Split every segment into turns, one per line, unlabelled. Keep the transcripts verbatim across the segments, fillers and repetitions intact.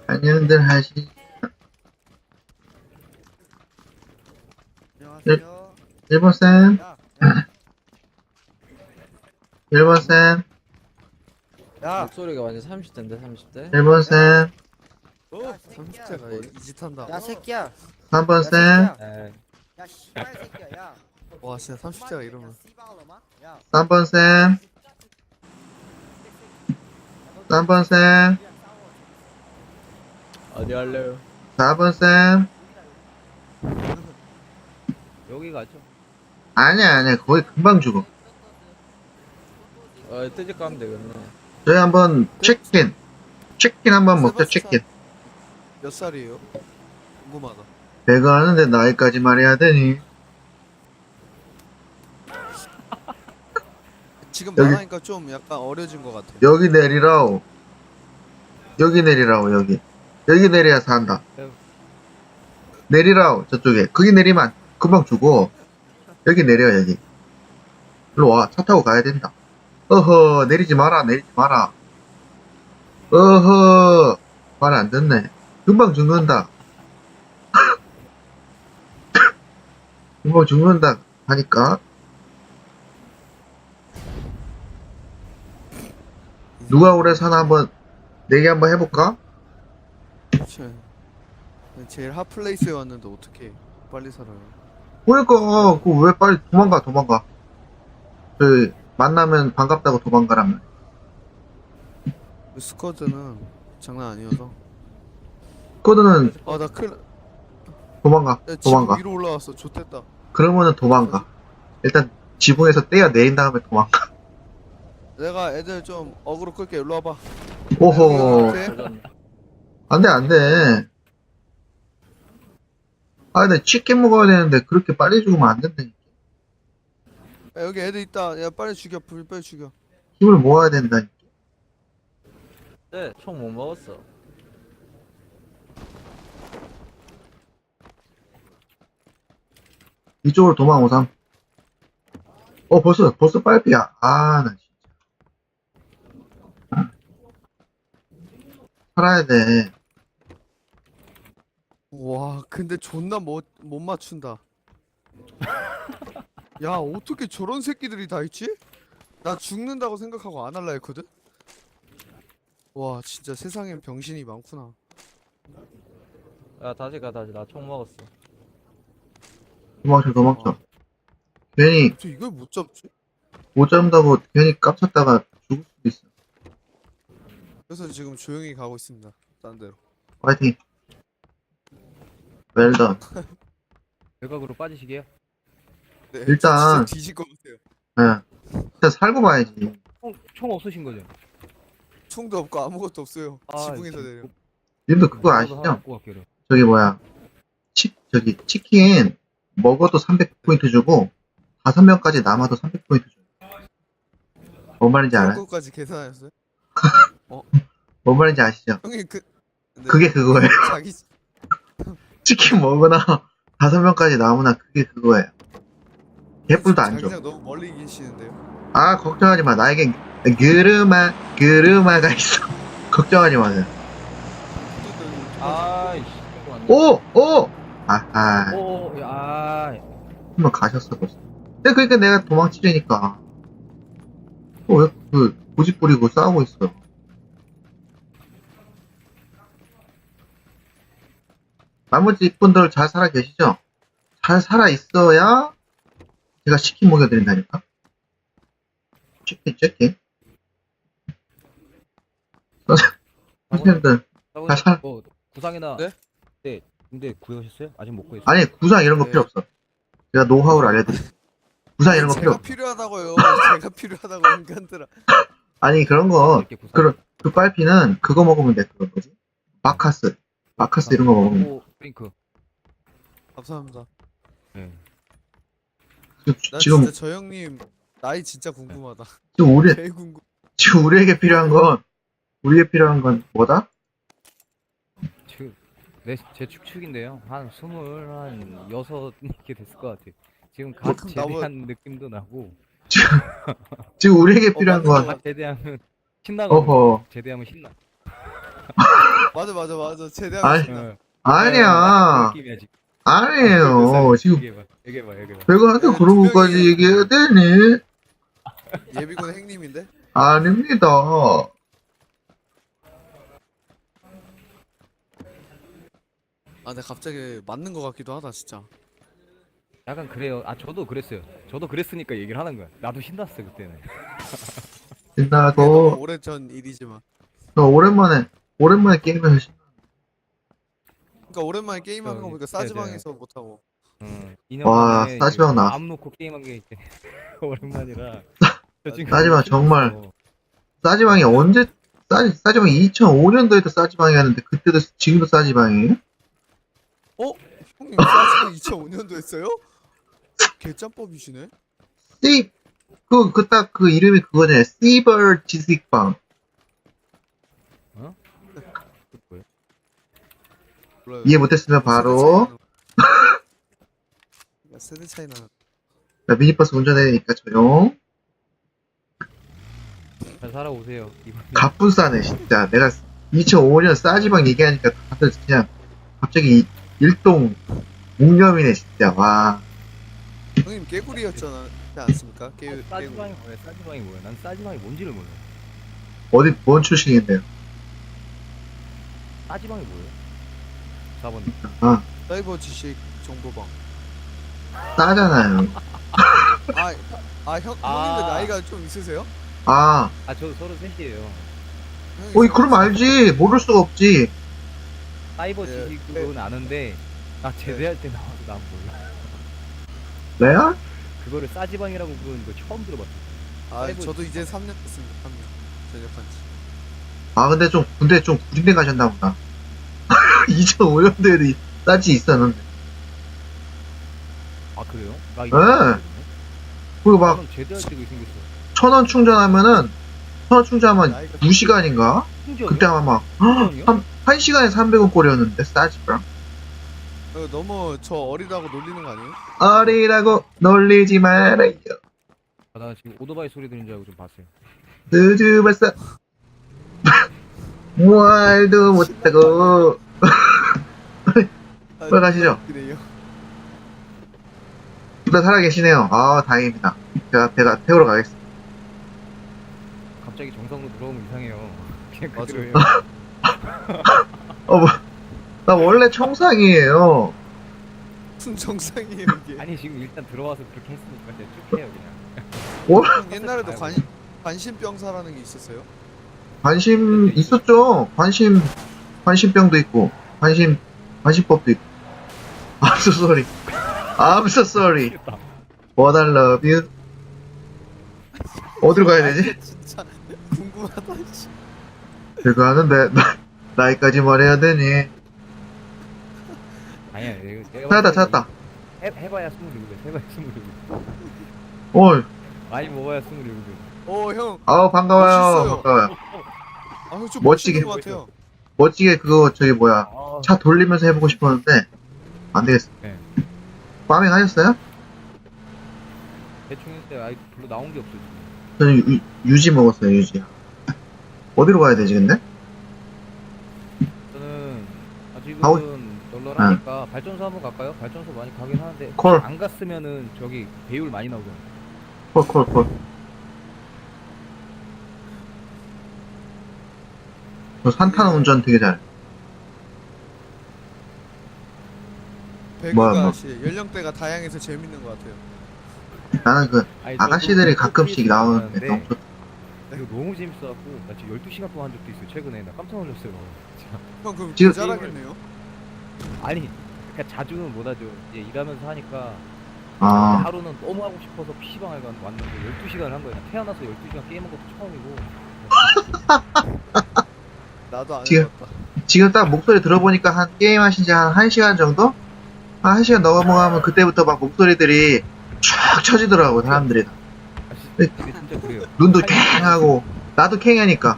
안녕들 하시.
안녕하세요.
일 번 쌤,
야, 야,
일 번 쌤,
야,
목소리가 완전 삼십 대인데 삼십 대?
일 번 쌤,
어, 새끼야.
삼십 대가 이짓한다.
야, 새끼야.
삼 번
야,
쌤,
새끼야.
에이,
야, 씨발 새끼야. 야.
와 진짜 삼십 대가 이러면
야,
삼 번 쌤, 삼 번 쌤,
어디 할래요?
사 번 쌤.
여기 가죠.
아니야, 아니야. 거기 금방 죽어.
어, 뜨지 가면 되겠네.
저희 한번 치킨, 치킨 한번 먹자, 치킨.
몇 살이에요? 궁금하다.
배가 하는데 나이까지 말해야 되니?
지금
여기-
말하니까 좀 약간 어려진 것 같아요.
여기 내리라오. 여기 내리라오, 여기. 여기 내려야 산다. 내리라오, 저쪽에. 거기 내리면 안- 금방 죽어. 여기 내려, 여기. 일로 와, 차 타고 가야 된다. 어허, 내리지 마라, 내리지 마라. 어허, 말 안 듣네. 금방 죽는다. 금방 죽는다 하니까. 누가 오래 사나 한번 내기 한번 해볼까?
제- 제일 핫플레이스에 왔는데 어떻게 빨리 살아요?
그러니까 그왜 빨리 도망가 도망가. 그 만나면 반갑다고 도망가라면.
스쿼드는 장난 아니어서.
코드는
아나 큰일.
도망가
야, 지금
도망가.
위로 올라왔어. 좋댔다.
그러면은 도망가. 일단 지붕에서 떼어 내린 다음에 도망가.
내가 애들 좀 어그로 끌게. 일로 와봐.
오호,
이렇게.
안돼 안돼. 아 근데 치킨 먹어야 되는데 그렇게 빨리 죽으면 안 된다니까.
야, 여기 애들 있다. 야 빨리 죽여. 불 빨리 죽여.
힘을 모아야 된다니까.
네, 총 못 먹었어.
이쪽으로 도망오삼. 어 벌써 벌써 빨피야. 아 나 진짜 살아야 돼.
와 근데 존나 못, 못 맞춘다. 야 어떻게 저런 새끼들이 다 있지? 나 죽는다고 생각하고 안 할라 했거든? 와 진짜 세상엔 병신이 많구나.
야, 다시 가, 다시. 나 총 먹었어.
도망쳐 도망쳐.
아.
괜히
저 이걸 못 잡지?
못 잡는다고 괜히 깝쳤다가 죽을 수도 있어.
그래서 지금 조용히 가고 있습니다. 딴 데로.
파이팅. 웰던.
외곽으로 빠지시게요?
네,
일단-
진짜 뒤질 것 같아요.
예. 일단 살고 봐야지.
총, 총 없으신 거죠?
총도 없고 아무것도 없어요.
아,
지붕에서
이렇게
내려.
님도 그거
저도 하나
아시죠?
갖고 갈게요.
저기 뭐야. 치, 저기 치킨 먹어도 삼백 포인트 주고 다섯 명까지 남아도 삼백 포인트 줘. 뭔 말인지 알아요?
그거까지 계산하셨어요?
뭔 말인지 아시죠?
형님 그 네.
그게 그거예요.
자기
치킨 먹으나 다섯 명까지 남으나 그게 그거예요. 개뿔도 안 줘.
자기장 너무 멀리 계시는데요.
아 걱정하지 마. 나에겐 그르마 그르마가 있어. 걱정하지 마세요.
아이씨. 이거 안 돼.
오! 오! 아하.
오, 야, 아,
한번 가셨어 벌써. 근데 그러니까 내가 도망치려니까. 또왜그 고집 부리고 싸우고 있어. 나머지 분들 잘 살아 계시죠? 잘 살아 있어야 제가 치킨 먹여드린다니까. 치킨 치킨. 선생- 선생님들 잘 살.
뭐, 구상이나.
네?
네. 근데 구해오셨어요? 아직 못 구했어요?
아니 구상 이런 거
네.
필요 없어. 제가 노하우를 알려드릴게요. 구상 이런 거 필요
제가
없어.
필요하다고요. 제가 필요하다고 인간들아.
아니 그런 거
이렇게 구상.
그런 그 빨피는 그거 먹으면 돼. 그거 뭐지? 마카스. 마카스 이런 거 먹으면 돼.
오, 프링크.
감사합니다.
네.
지금,
나
지금
진짜 저 형님 나이 진짜 궁금하다.
지금 우리
제일 궁금.
지금 우리에게 필요한 건 우리에게 필요한 건 뭐다?
지금 내 제 축축인데요. 한 스물 한 여섯 이렇게 됐을 것 같아. 지금 갓
그럼
제대한 느낌도 나고.
지금 지금 우리에게
어,
필요한
맞는
건
거
갓 제대하면 신나고.
어허
제대하면 신나.
맞아 맞아 맞아 제대로
아니,
하신다.
어.
아니야.
그 느낌이야, 지금.
아니에요. 지금
얘기해봐, 얘기해봐, 얘기해봐.
배가한테
네,
그런
두
것까지
명이에요.
얘기해야 되니?
예비군 행님인데?
아닙니다.
아 근데 갑자기 맞는 거 같기도 하다 진짜.
약간 그래요. 아, 저도 그랬어요. 저도 그랬으니까 얘기를 하는 거야. 나도 신났어, 그때는.
그게 너무
신나고,
오래전 일이지만.
저 오랜만에, 오랜만에 게임을 시
그러니까 오랜만에 게임하는 거
저기,
보니까
네, 네.
싸지방에서 못 하고.
응. 이 년
와,
만에
싸지방
이제
나왔어.
마음 놓고 게임한 게 이제 오랜만이라. 저 지금
싸지방
신났어.
정말. 싸지방이 언제, 싸지, 싸지방이 이천오 년도에도 싸지방이었는데, 그때도, 지금도 싸지방이에요?
어? 형님 싸지방 이천오 년도 했어요? 개짬법이시네?
씨, 그, 그, 딱, 그 이름이 그거잖아요. 씨벌 지식방.
어? 그 뭐야?
몰라요.
이해 못했으면 바로,
야, 세대 차이 나.
자, 미니버스 운전해니까 조용.
잘 살아오세요. 이번
가뿐 싸네, 진짜. 내가 이천오 년 싸지방 얘기하니까 다들 그냥, 갑자기 일동 묵념이네, 진짜. 와.
형님 깨구리였잖아. 그렇지 않습니까? 깨, 깨구리.
싸지방이 뭐야? 싸지방이 뭐야? 난 싸지방이 뭔지를 몰라.
어디, 뭔 출신인데요?
싸지방이 뭐예요? 사 번님.
아,
사이버 지식 정보방.
싸잖아요.
아, 아 형,
아.
형님들 나이가 좀 있으세요?
아,
아, 저 서른 셋이에요.
형님
어이, 그럼 알지. 모를 수가 없지.
사이버
예,
지식은 아는데 나 제대할 때 나와서 난 몰라.
레알?
그거를 싸지방이라고 부르는 거 처음 들어봤어.
아,
사이버
저도 이제 삼 년 됐습니다. 삼 년. 전역한 지.
아, 근데 좀, 근데 좀 구린데 가셨나 보다. 이천오 년도에도 싸지 있었는데.
아, 그래요? 나
네.
이거
그리고 막,
막 제대할 때가 생겼어.
천 원 충전하면은, 천 원 충전하면
나이가
두 시간인가?
충전이요?
그때 아마 막,
충전이요?
한, 한 시간에 삼백 원 꼴이었는데, 싸지방.
어, 너무 저 어리다고 놀리는 거 아니에요?
어리라고 놀리지 말아요.
아, 나 지금 오토바이 소리 들린 줄 알고 좀 봤어요.
늦어 벌써. 말도 못하고.
아,
빨리 가시죠.
그래요.
둘 다 살아계시네요. 아, 다행입니다. 제가, 제가 태우러 가겠습니다.
갑자기 정상으로 들어오면 이상해요. 그냥
맞아요.
그대로예요.
어, 뭐, 나 원래 청상이에요.
무슨 정상이에요 이게?
아니 지금 일단 들어와서 그렇게 했으니까 이제 쭉 해요 그냥.
형 옛날에도
아이고.
관 관심병사라는 게 있었어요?
관심 있었죠? 관심, 관심병도 있고, 관심, 관심법도 있고. I'm so sorry. I'm so sorry.
미치겠다.
What I love you. 어디로 가야 되지?
아, 진짜 궁금하다. 씨.
제가 하는데, 나, 나이까지 말해야 되니?
아니야 이거 내가
찾았다,
봤을 때
찾았다.
해, 해봐야 스물일곱 해봐야 스물일곱
어,
많이 먹어야 스물일곱
어 형,
아우, 반가워요.
멋있어요.
반가워요.
아, 형 좀
멋지게.
멋있는 것 같아요.
멋지게 그거, 저기 뭐야.
아,
차 돌리면서 해보고 싶었는데, 안 되겠어.
네.
파밍 하셨어요?
대충 했을 아이 별로 나온 게 없어 지금.
저는 유, 유지 먹었어요, 유지. 어디로 가야 되지, 근데?
저는 아직은
가고-
널널하니까 발전소 한번 갈까요? 발전소 많이 가긴 하는데
콜.
안 갔으면은 저기 배율 많이 나오잖아.
콜, 콜, 콜. 저 산타는 운전 되게 잘해.
배구가
뭐야, 뭐.
씨, 연령대가 다양해서 재밌는 것 같아요.
나는 그,
아니,
아가씨들이
저도
가끔씩 나오는데
네.
너무 좋다.
이거 너무 재밌어갖고 나 지금 열두 시간 동안 한 적도 있어요 최근에. 나 깜짝 놀랐어요 진짜.
형 그럼
지금-
잘하겠네요.
아니 그러니까 자주는 못하죠. 이제 일하면서 하니까
아,
하루는 너무 하고 싶어서 피시방을 간- 왔는데 열두 시간을 한 거예요. 나 태어나서 열두 시간 게임한 것도 처음이고.
나도 안
지금-
해봤다.
지금 딱 목소리 들어보니까 한 게임 하신 지 한 1시간 정도? 한 1시간 넘어가면 그때부터 막 목소리들이 쫙 쳐지더라고, 사람들이.
아, 시- 근데 진짜 그래요.
눈도
할-
캥하고, 나도 캥하니까.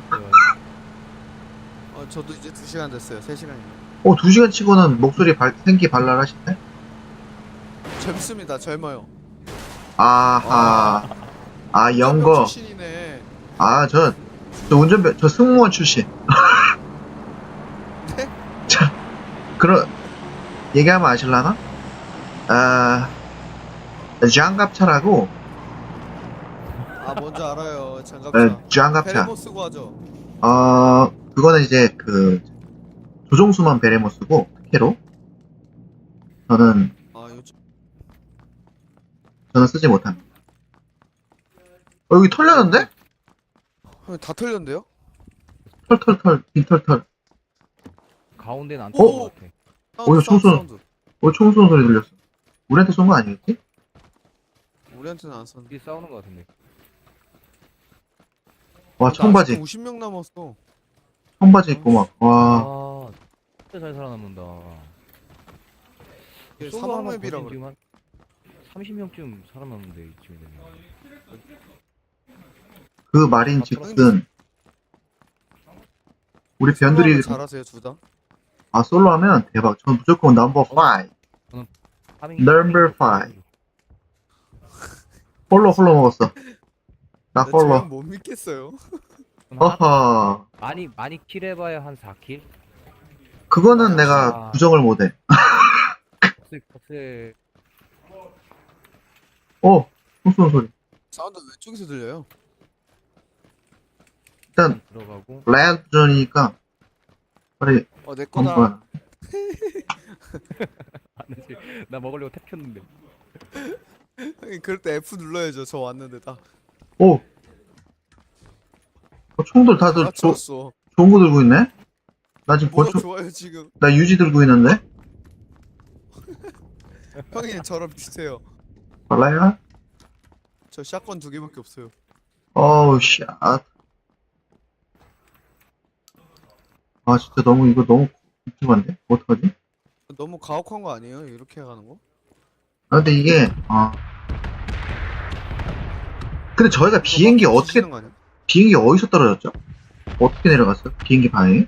어, 저도 이제 두 시간 됐어요. 세 시간이요.
어, 두 시간 치고는 목소리 발, 생기 발랄하시네?
젊습니다. 젊어요.
아하. 아, 영거.
출신이네.
아, 저, 저 운전병, 저 승무원 출신. 그런 얘기하면 아실라나? 아 장갑차라고.
아 뭔지 알아요. 장갑차.
에, 장갑차.
베레모 쓰고 하죠.
어 그거는 이제 그 조종수만 베레모 쓰고 특혜로 저는
아 요즘
저는 쓰지 못합니다. 어, 여기 털렸는데?
형, 다 털렸는데요?
털털털 빈털털.
가운데는 안
오!
뚫린 것 같아.
어,
사운드, 사운드,
총선.
사운드.
어 총 쏘는 소리 들렸어. 우리한테 쏜 거 아니겠지?
우리한테는 안 썼는데.
둘이 싸우는 것 같은데.
와 청바지
오십 명 남았어.
청바지 입고 막 와.
아, 진짜 잘 살아남는다.
이게
솔로 하나
사막맵이라
거진
그래.
지금 한 삼십 명쯤 살아남는데 이쯤에 되면.
그 말인즉슨 우리 변들이
잘하세요 둘 다.
아 솔로 하면 대박. 전 무조건 넘버 오.
파밍-
Number five. 홀로 홀로 먹었어. 나 홀로.
저는 못 믿겠어요.
허허.
많이 많이 킬해봐야 한 사 킬?
그거는 내가
아.
부정을 못해.
컷세 컷세.
어, 총 쏘는 소리.
사운드 왼쪽에서 들려요.
일단
들어가고.
레드존이니까 빨리
어 내 거다.
한번.
아니지. 나 먹으려고 탭 켰는데.
형님 그럴 때 F 눌러야죠. 저 왔는데 다.
오. 어, 총들 다들 조,
맞췄어.
좋은 거 들고 있네. 나 지금
뭐가
권총,
좋아요 지금.
나 유지 들고 있는데.
형님 저랑 비슷해요.
몰라요?
저 샷건 두 개밖에 없어요.
어우 씨. 아, 아 진짜 너무 이거 너무 궁금한데 어떡하지?
너무 가혹한 거 아니에요? 이렇게 가는 거?
아 근데 이게 아 근데 저희가 비행기
막
어떻게
부딪히는 거 아니야?
비행기 어디서 떨어졌죠? 어떻게 내려갔어요? 비행기 방향이?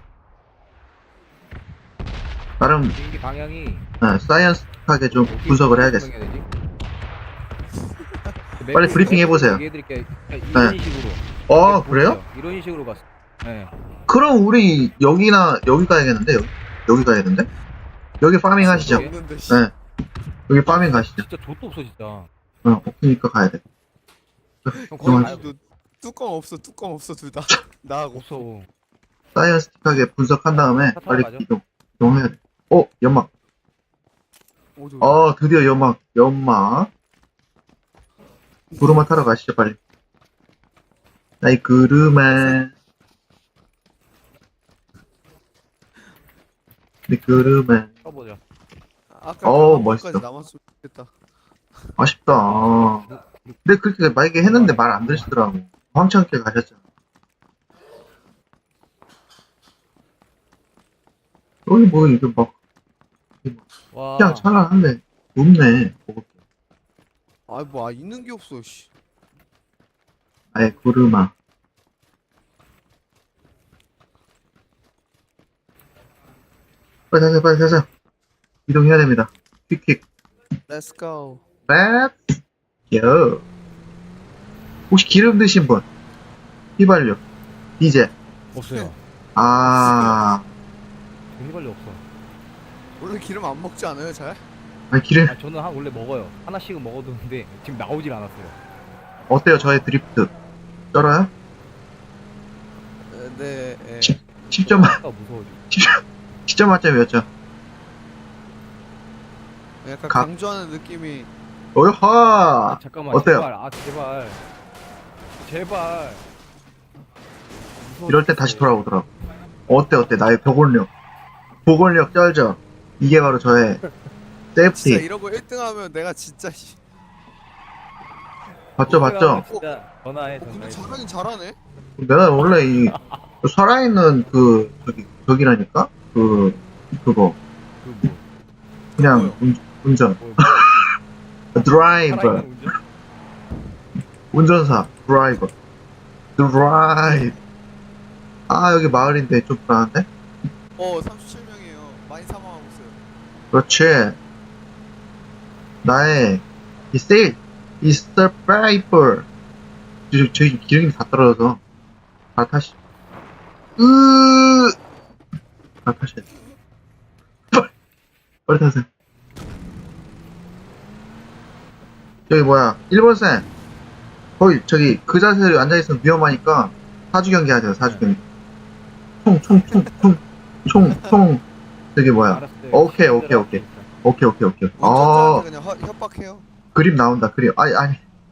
나름
비행기 방향이
어, 사이언스하게 좀
어디-
분석을
어디
해야겠어.
방향이야 되지? 그
빨리
맵을
브리핑 해보세요.
얘기해드릴게요. 그러니까 이런 식으로.
어
네,
그래요?
보세요. 이런 식으로 갔어. 네.
그럼 우리 여기나 여기 가야겠는데 여기 여기 가야겠는데? 여기 파밍 하시죠.
저기?
없는데 씨.
네. 여기 파밍 가시죠.
진짜 좆도 없어 진짜.
어, 없으니까 가야 돼.
형 거기
그만.
가요.
너 뚜껑 없어 뚜껑 없어 둘 다. 나하고.
없어.
사이언스틱하게 분석한 다음에
차 타고
빨리
가죠.
이동 이동해야 돼. 어 연막.
오, 저-
어 드디어 연막 연막. 구르마 타러 가시죠 빨리. 나이 구르마. 네 구르마.
쳐보자.
아까
어우,
그
멋있어.
까지 남았으면 좋겠다.
아쉽다. 근데 그렇게 만약에 했는데 말 안 들으시더라고. 황창께 가셨잖아. 여기 뭐 이거 막
와.
그냥 찬란한데 없네. 먹을 게.
아뭐 아, 있는 게 없어 씨.
아예 구르마. 빨리 가세요, 빨리 가세요. 이동해야 됩니다. 퀵퀵.
Let's go.
Let's go. 혹시 기름 드신 분? 휘발유. 디젤.
없어요.
아,
휘발유 없어.
원래 기름 안 먹지 않아요 잘?
아니, 기름.
아 저는 한 원래 먹어요. 하나씩은 먹어두는데 지금 나오질 않았어요.
어때요, 저의 드리프트? 쩔어요?
에, 네. 예.
십 점,
아까 무서워지.
십 점 만점이었죠.
약간
가-
강조하는 느낌이.
어이하!
아, 잠깐만.
어때요?
제발. 아 제발. 제발. 무서워
이럴 때
죽겠어.
다시 돌아오더라고. 어때, 어때? 나의 보건력. 보건력 쩔죠? 이게 바로 저의
진짜
세이프티.
이러고 일 등 하면 내가 진짜 씨.
봤죠, 봤죠?
진짜 전화해
어, 근데
전화해.
잘하긴 잘하네.
내가 원래 이, 살아있는 그, 저기, 저기라니까? 그, 그거.
그 뭐.
그냥
뭐요?
운, 운전.
뭐
드라이버.
살아있는 운전?
운전사. 드라이버. 드라이브. 아, 여기 마을인데 좀 불안한데?
어 삼십칠 명이에요. 많이 사망하고 있어요.
그렇지. 나의 이 세일, 이 서바이벌. 저, 저기 기름이 다 떨어져서 다 타시. 으, 다 타시. 빨리 타세요. 저기 뭐야, 일본 쌤. 거기, 저기, 그 자세로 앉아있으면 위험하니까, 사주 경기 하세요, 사주 경기. 총, 총, 총, 총, 총, 총, 저기 뭐야.
알았어요.
오케이, 오케이, 오케이. 오케이, 오케이, 오케이. 아,
운전자한테 그냥 허, 협박해요.
그림 나온다, 그림. 아니, 아니.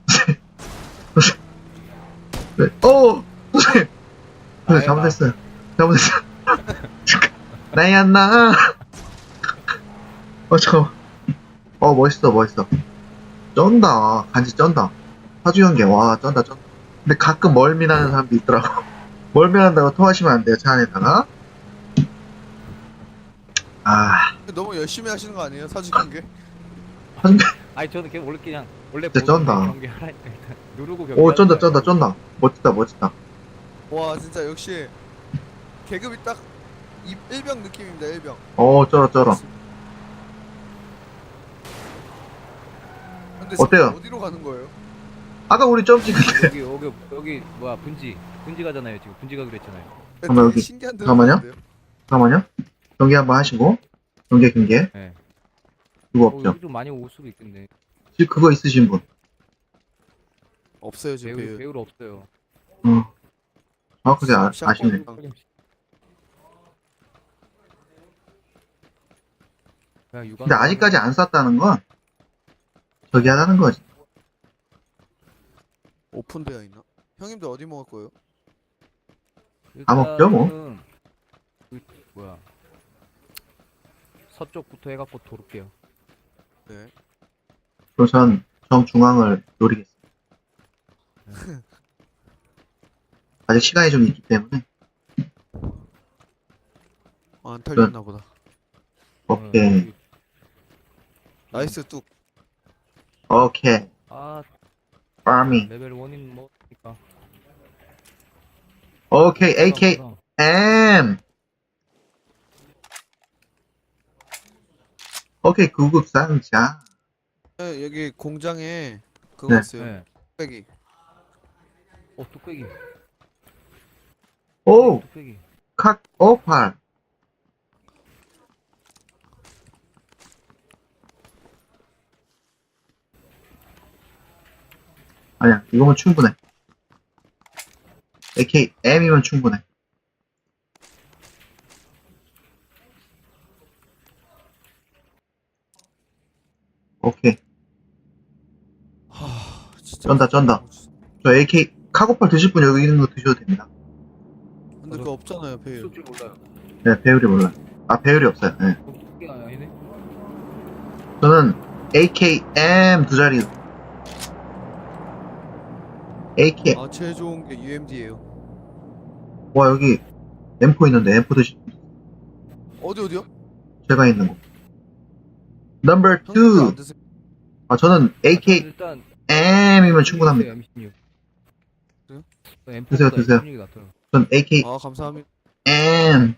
네. 어! 선생님! 선생님, 잘못했어요. 잘못했어요. 나야, 나. 어, 잠깐만. 어, 멋있어, 멋있어. 쩐다. 간지 쩐다. 사주연계, 와, 쩐다, 쩐다. 근데 가끔 멀미나는 사람도 있더라고. 멀미난다고 토하시면 안 돼요, 차 안에다가. 아,
너무 열심히 하시는 거 아니에요? 사주 경계?
아니 저는 그냥 원래 그냥 원래
진짜
보는
쩐다.
경기 하라니까 일단 누르고 경기.
오, 쩐다, 쩐다, 쩐다. 멋지다, 멋지다.
와 진짜 역시 계급이 딱 이- 일병 느낌입니다. 일병.
어, 쩔어, 쩔어.
근데
어때요?
지금 어디로 가는 거예요?
아까 우리 점찍 근데.
여기 여기 여기 뭐야 분지 분지 가잖아요 지금 분지 가기로 했잖아요.
잠깐만, 여기.
신기한 데로
잠깐만요.
가는데요?
잠깐만요. 경기 한번 하시고. 경계, 경계.
네.
그거
어,
없죠.
여기 좀 많이 올 수도 있겠네.
지금 그거 있으신 분.
없어요 지금
배우
배우.
배우로 없어요.
어. 정확하게 아,
샹-
아시네.
그냥 육아.
근데 아직까지 안 쐈다는 건 저기 하다는 거지.
오픈되어 있나? 형님들 어디 먹을 거예요?
다 먹죠, 뭐.
일단은 그 뭐야 서쪽부터 해갖고 돌을게요.
네.
그럼 전 정중앙을 노리겠습니다. 아직 시간이 좀 있기 때문에.
아, 안 털렸나 보다.
오케이.
나이스 뚝.
오케이.
아
파밍.
레벨 원인 뭐니까.
오케이. 에이케이 엠. 오케이. 구급 상자.
네, 여기 공장에 그거
네.
있어요.
네.
뚝배기.
어 뚝배기.
오!
뚝배기.
컷 오팔. 아니야. 이거면 충분해. 에이케이 엠이면 충분해. 오케이.
하, 진짜.
쩐다, 쩐다. 저 에이케이 카고팔 드실 분 여기 있는 거 드셔도 됩니다.
근데 그거 없잖아요 배우.
쓸줄 몰라요.
네, 배율이 몰라요. 아, 배율이 없어요. 네.
어, 뚝배기가 아니네.
저는 에이케이 엠 두 자리. 에이케이.
아 제일 좋은 게 유엠디예요.
와, 여기 엠포 있는데 엠포 드실 분.
어디 어디요?
제가 있는 거. 넘버
형님들 안
투.
드세요?
아, 저는
아,
에이케이
저는 일단
엠이면 충분합니다.
엠십육.
그래요?
드세요, 드세요.
엠십육이 낫더라고.
전 에이케이
아 감사합니다.
엠.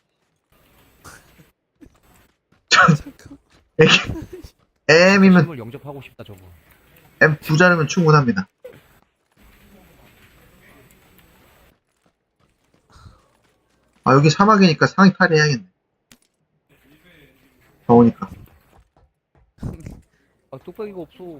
전
잠깐.
에이케이 M이면
힘을 영접하고 싶다 저거.
M 두 자리면 충분합니다. 아, 여기 사막이니까 상의 탈의해야겠네. 더우니까.
아 뚝배기가 없어.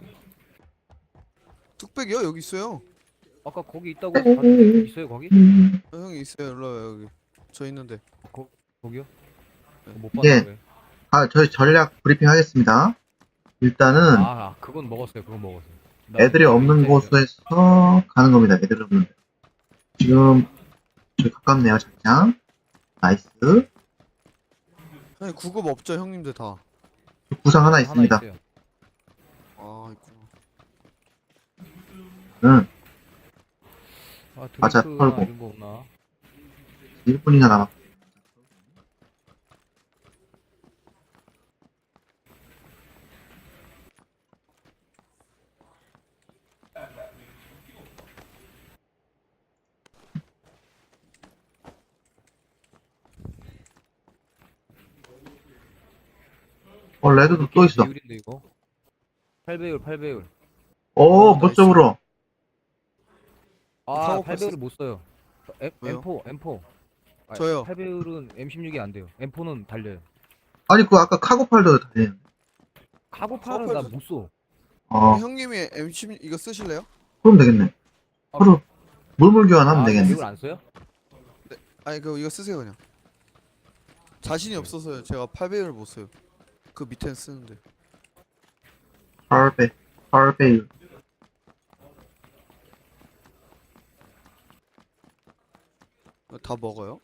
뚝배기요? 여기 있어요.
아까 거기 있다고 봤- 있어요 거기?
어, 형이 있어요. 일로 와요 여기. 저 있는데.
거기요? 못
예.
봤어요.
아, 저희 전략 브리핑 하겠습니다. 일단은
아, 아 그건 먹었어요. 그건 먹었어요. 나
애들이
저기
없는
있어요.
곳에서 가는 겁니다. 애들이 없는 데. 지금 저기 가깝네요, 장장. 나이스.
형님 구급 없죠 형님들 다.
구상 하나 있습니다.
있어요.
아 있구나.
응,
아
맞아,
드링크나
털고.
이런 거 없나?
일 분이나 남았. 어, 레드도 또 있어.
배율인데 이거? 팔 배율, 팔 배율.
오,
어,
멋쩍으로.
아,
카고
팔 배율을
패스-
못 써요. 엠,
왜요?
엠포, 엠포. 아,
저요.
팔 배율은 엠십육이 안 돼요. 엠포는 달려요.
아니, 그 아까 카고팔도 달리는데.
카고팔은 나 못 써.
어,
형님이 엠 십육 이거 쓰실래요?
그럼 되겠네. 하루 물물 교환하면
아,
되겠네.
이걸 안 써요?
아니 그 이거 쓰세요 그냥. 자신이 없어서요. 제가 팔 배율을 못 써요. 그 밑에는 쓰는데.
팔배, 팔배율.
이거 다 먹어요?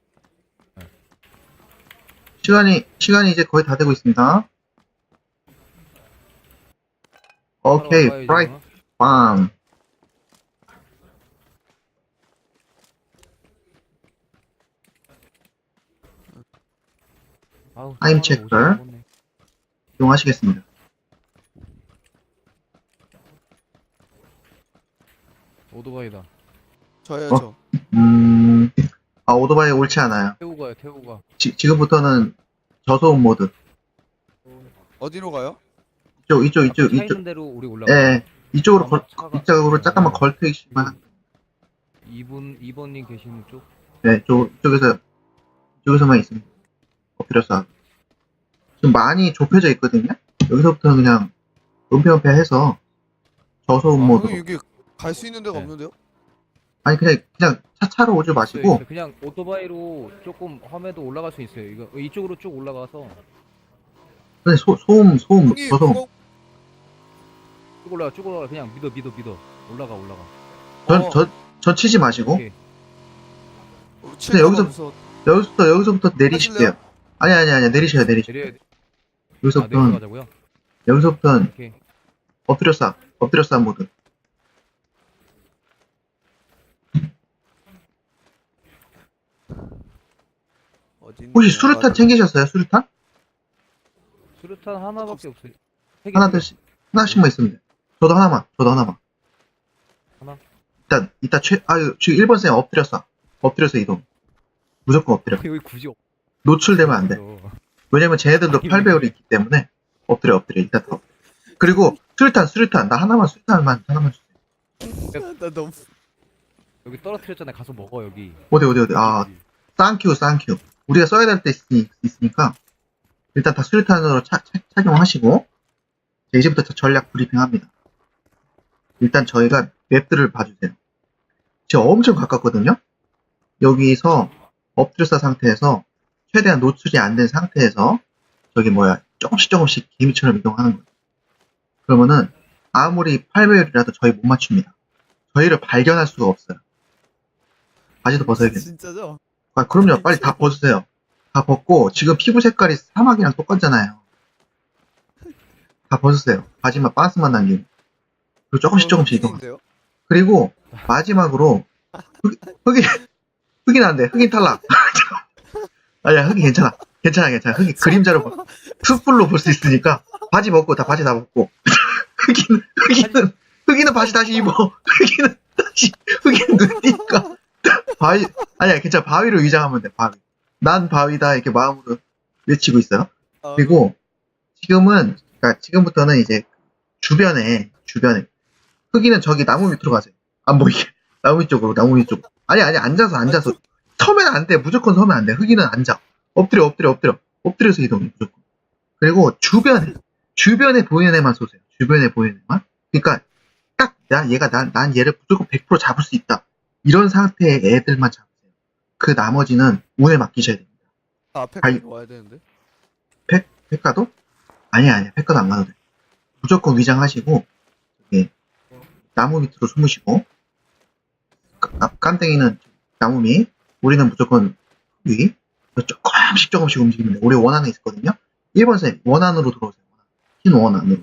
시간이, 시간이 이제 거의 다 되고 있습니다. 오케이,
바로
프라이,
와봐야지,
빰.
아우,
타임
하루
체크.
오십 분 먹었네.
이용하시겠습니다.
오토바이다.
저요
어?
저.
음, 아, 오토바이 옳지 않아요.
태우고 가요, 태우고 가.
지, 지금부터는 저소음 모드.
어디로 가요?
이쪽, 이쪽,
아까
이쪽,
차
이쪽.
있는 대로 우리 올라가.
예, 이쪽으로
아마
걸,
차가-
이쪽으로 잠깐만
어.
걸트이시면,
이분 이번님 계시는 쪽.
네, 저, 이쪽에서, 이쪽에서만 있습니다. 엎드려서. 지금 많이 좁혀져 있거든요? 여기서부터는 그냥, 은폐은폐해서, 저소음
아,
모드.
형님 여기 갈 수 있는 데가
네.
없는데요?
아니, 그냥, 그냥 차, 차로 오지
있어요,
마시고,
있어요. 그냥 오토바이로 조금 험해도 올라갈 수 있어요. 이거 이쪽으로 쭉 올라가서
그냥 소, 소음, 소음,
형님
저소음.
그거
쭉 올라가, 쭉 올라가. 그냥 믿어, 믿어, 믿어. 올라가, 올라가.
전,
어,
저, 전 치지 마시고,
오케이.
칠까
여기서-
하면서
여기서부터, 여기서부터 내리실게요.
하실래요?
아니, 아니, 아니, 내리셔야, 내리셔.
내려야 돼. 아,
여기서부터는,
내려가자고요.
여기서부터는
오케이.
엎드려 싸, 엎드려 싸 모드.
어디 있는
혹시
거야?
수류탄
맞아.
챙기셨어요? 수류탄?
수류탄 하나밖에 없어요. 세 개.
하나씩, 하나씩만 있으면 돼. 저도 하나만, 저도 하나만.
하나?
일단, 이따 최, 아유, 지금 일 번 쌤 엎드려 싸. 엎드려서 이동. 무조건 엎드려.
여기 굳이 없.
노출되면 안 돼. 왜냐면 쟤네들도
아니,
팔 배율이 있기 때문에 엎드려, 엎드려. 일단 더. 그리고 수류탄, 수류탄. 나 하나만, 수류탄만, 하나만 주세요.
나 너무
여기 떨어뜨렸잖아요. 가서 먹어 여기.
어디, 어디, 어디. 아, 쌍큐, 쌍큐. 우리가 써야 될 때 있으니까 일단 다 수류탄으로 차, 차, 착용하시고 자, 이제부터 저 전략 브리핑합니다. 일단 저희가 맵들을 봐주세요. 지금 엄청 가깝거든요. 여기서 엎드려싸 상태에서 최대한 노출이 안 된 상태에서 저기 뭐야 조금씩 조금씩 개미처럼 이동하는 거예요. 그러면은 아무리 팔 배율이라도 저희 못 맞춥니다. 저희를 발견할 수가 없어요. 바지도 벗어야겠네.
진짜죠?
아, 그럼요. 빨리 다 벗으세요. 다 벗고, 지금 피부 색깔이 사막이랑 똑같잖아요. 다 벗으세요. 바지만, 반스만 남기고. 그리고 조금씩 조금씩 이동.
흑인인데요?
그리고, 마지막으로, 흑, 흑인, 흑인 안 돼. 흑인 탈락. 아니야, 흑인 괜찮아. 괜찮아, 괜찮아. 흑인 그림자로, 봐. 숯불로 볼 수 있으니까, 바지 벗고, 다 바지 다 벗고. 흑인, 흑인은, 흑인은 바지 다시 입어. 흑인은 다시, 흑인은 눈이니까. 바위, 아니야, 괜찮아. 바위로 위장하면 돼, 바위. 난 바위다, 이렇게 마음으로 외치고 있어요.
아,
그리고, 지금은, 그러니까 지금부터는 이제, 주변에, 주변에, 흑인은 저기 나무 밑으로 가세요. 안 보이게. 나무 밑 쪽으로, 나무 밑 쪽으로. 아니, 아니, 앉아서, 앉아서. 서면 안 돼. 무조건 서면 안 돼. 흑인은 앉아. 엎드려, 엎드려, 엎드려. 엎드려서 이동해, 무조건. 그리고, 주변에, 주변에 보이는 애만 쏘세요. 주변에 보이는 애만. 그러니까, 딱, 나, 얘가, 난, 난 얘를 무조건 백 퍼센트 잡을 수 있다. 이런 상태의 애들만 잡으세요. 그 나머지는 운에 맡기셔야 됩니다.
아, 앞에
아니.
가서 와야 되는데.
팩? 팩가도? 아니야, 아니야. 팩가도 안 가도 돼. 무조건 위장하시고, 저기, 나무 밑으로 숨으시고, 까- 깜땡이는 나무 밑, 우리는 무조건 위, 조금씩 조금씩 움직이면 돼. 우리 원 안에 있거든요? 일 번 쌤, 원 안으로 들어오세요. 흰 원 안으로.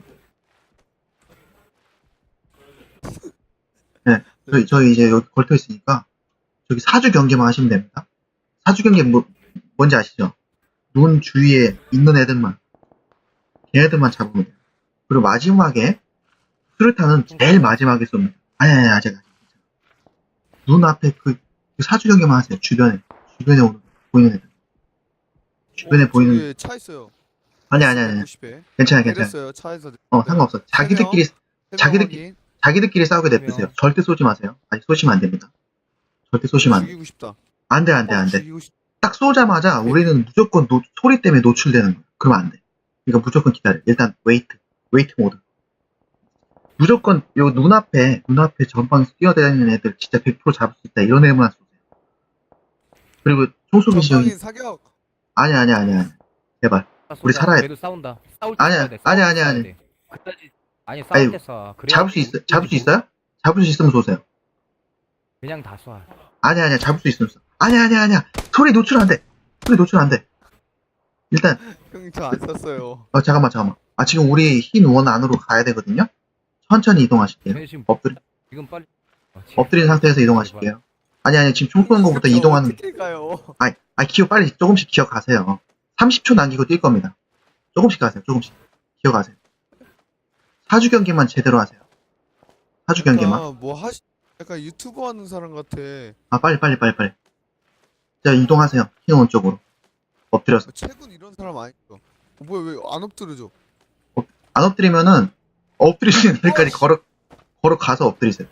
네, 저희, 저희 이제 여기 걸터 있으니까, 저기 사주 경계만 하시면 됩니다. 사주 경계 뭐, 뭔지 아시죠? 눈 주위에 있는 애들만, 걔네들만 잡으면 돼요. 그리고 마지막에, 수류탄은 제일 마지막에 쏩니다. 아니, 아니, 아직, 아직. 눈 앞에 그, 그 사주 경계만 하세요. 주변에. 주변에 오는, 보이는 애들. 주변에
어,
보이는,
저기 차 있어요.
아니, 아니, 아니.
백구십 에.
괜찮아, 괜찮아.
내렸어요. 차에서.
어, 상관없어. 자기들끼리, 자기들끼리- 자기들끼리 싸우게 냅두세요. 절대 쏘지 마세요. 아니, 쏘시면 안 됩니다. 절대 쏘시면 안 돼.
죽이고 싶다.
안 돼, 안 돼,
어,
안 돼.
죽이고 싶.
딱 쏘자마자 우리는 무조건 노- 소리 때문에 노출되는 거야. 그러면 안 돼. 그러니까 무조건 기다려. 일단 웨이트, 웨이트 모드. 무조건 요 눈앞에 눈앞에 전방에서 뛰어다니는 애들 진짜 백 퍼센트 잡을 수 있다. 이런 애만 쏘세요. 그리고 총쏘기 시험이
전방인 사격.
아니야 아니야 아니야 아니야. 제발. 우리 살아야 돼.
그래도 싸운다. 싸울 때
아니야,
싸워야 돼.
아니야,
싸울 때
아니야,
싸워야
아니야.
돼. 그까지 아니 싸울
아니,
때 쏴. 그래야
잡을 수 있어?
우리
잡을 수
뭐-
있어요? 잡을 수 있으면 쏘세요.
그냥 다 쏴.
아니야 아니야 잡을 수 있으면 쏘. 아니야 아니야 아니야. 소리 노출 안 돼. 소리 노출 안 돼. 일단
형님 저 안 쐈어요.
어 잠깐만 잠깐만. 아 지금 우리 흰 원 안으로 가야 되거든요. 천천히 이동하실게요.
근데 지금
엎드리
지금 빨리 아, 지금
엎드린 상태에서 이동하실게요. 아니 아니 지금 총 쏘는 것부터
저
이동하는.
어떻게 가요?
아이 아 기어 빨리 조금씩 기어가세요. 삼십 초 남기고 뛸 겁니다. 조금씩 가세요. 조금씩 기어가세요. 사주 경기만 제대로 하세요. 사주 경기만.
아, 뭐 하시? 약간 유튜버 하는 사람 같아.
아 빨리 빨리 빨리 빨리. 자 이동하세요. 흰 원 쪽으로. 엎드려서.
최군 이런 사람 아니죠? 어, 뭐야 왜 안 엎드려져?
안 엎드리면은 엎드리시는 데까지
어,
걸어 걸어 가서 엎드리세요.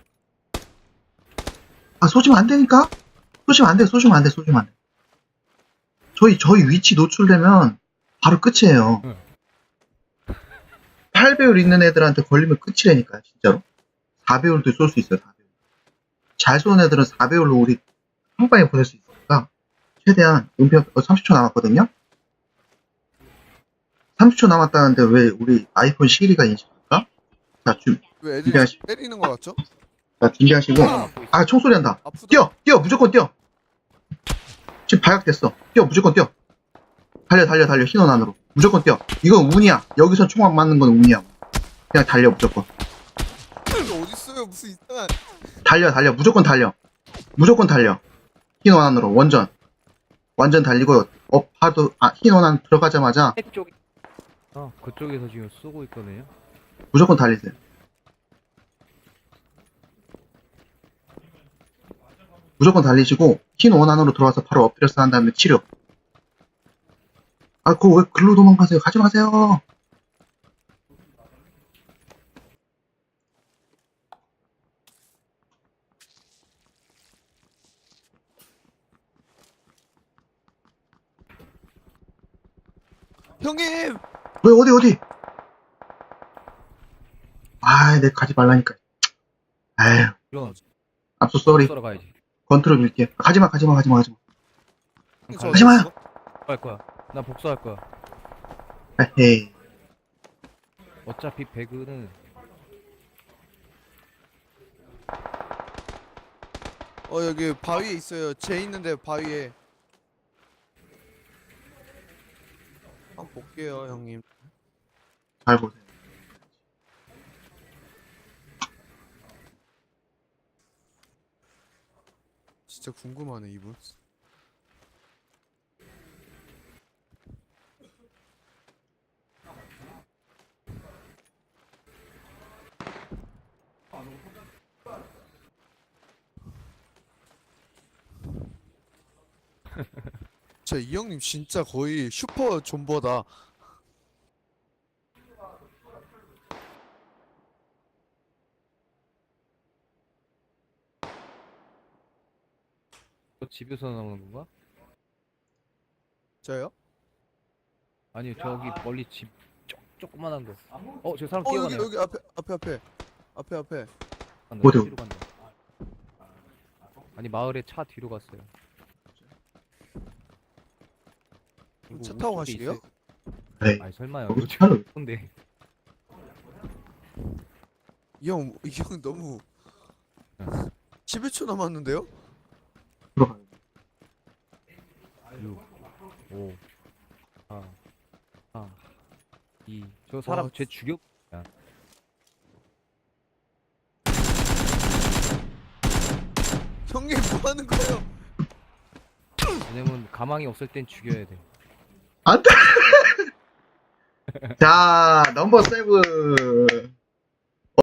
아 쏘시면 안 되니까. 쏘시면 안 돼. 쏘시면 안 돼. 쏘시면 안 돼. 저희 저희 위치 노출되면 바로 끝이에요.
응.
팔 배율 있는 애들한테 걸리면 끝이라니까요. 진짜로. 사 배율도 쏠 수 있어요. 사 배율. 잘 쏘는 애들은 사 배율로 우리 한 방에 보낼 수 있으니까 최대한 은폐 어, 삼십 초 남았거든요. 삼십 초 남았다는데 왜 우리 아이폰 시리가 인식할까? 자, 준,
왜 애들이
준비하시,
때리는 거 같죠?
자 준비하시고.
막고 있어.
아 총소리 난다.
아프다.
뛰어! 뛰어! 무조건 뛰어! 지금 발각됐어. 뛰어! 무조건 뛰어! 달려 달려 달려 흰원 안으로. 무조건 뛰어. 이건 운이야. 여기서 총알 맞는 건 운이야. 그냥 달려 무조건.
이거 어딨어요? 무슨 이상한.
달려 달려 무조건 달려. 무조건 달려. 흰원 안으로 원전. 완전 달리고 업 하도 아 흰원 안 들어가자마자
쪽. 어 그쪽에서 지금 쏘고 있거든요.
무조건 달리세요. 무조건 달리시고 흰 원 안으로 들어와서 바로 엎드려서 한 다음에 치료. 아 그거 왜 글로 도망가세요? 가지 마세요.
형님!
왜 어디 어디? 아, 내 가지 말라니까. 아유,
이런
앞서 쏘리.
쏘러 가야지.
건트롤 밀게. 가지마, 가지마, 가지마, 가지마.
저
하지 마요.
어딨어?
할 거야. 나 복수할 거야.
에헤이.
어차피 배그는
어 여기 바위에 있어요. 쟤 있는데 바위에. 한번 볼게요 형님.
잘 보세요.
진짜 궁금하네 이분. 진짜 이 형님 진짜 거의 슈퍼 존버다.
저 집에서 나오는 건가?
저요?
아니 저기 멀리 집 쪼, 조그만한 거. 어 저 사람
어 여기
뛰어가네요.
여기 앞에 앞에 앞에 앞에 앞에.
간다,
어디요?
뒤로 간다. 아니 마을에 차 뒤로 갔어요. 이거
차 타고
우측에
가시게요?
있어요.
에이,
아니 설마요.
여기
요즘
차를
근데
이 형 이 형 너무 십일 초 남았는데요?
들어가요.
육, 오, 사, 사, 이. 저 사람
와,
쟤 죽여.
형님 뭐 하는 거예요?
왜냐면 가망이 없을 땐 죽여야 돼.
안 돼! 자, 넘버 세븐.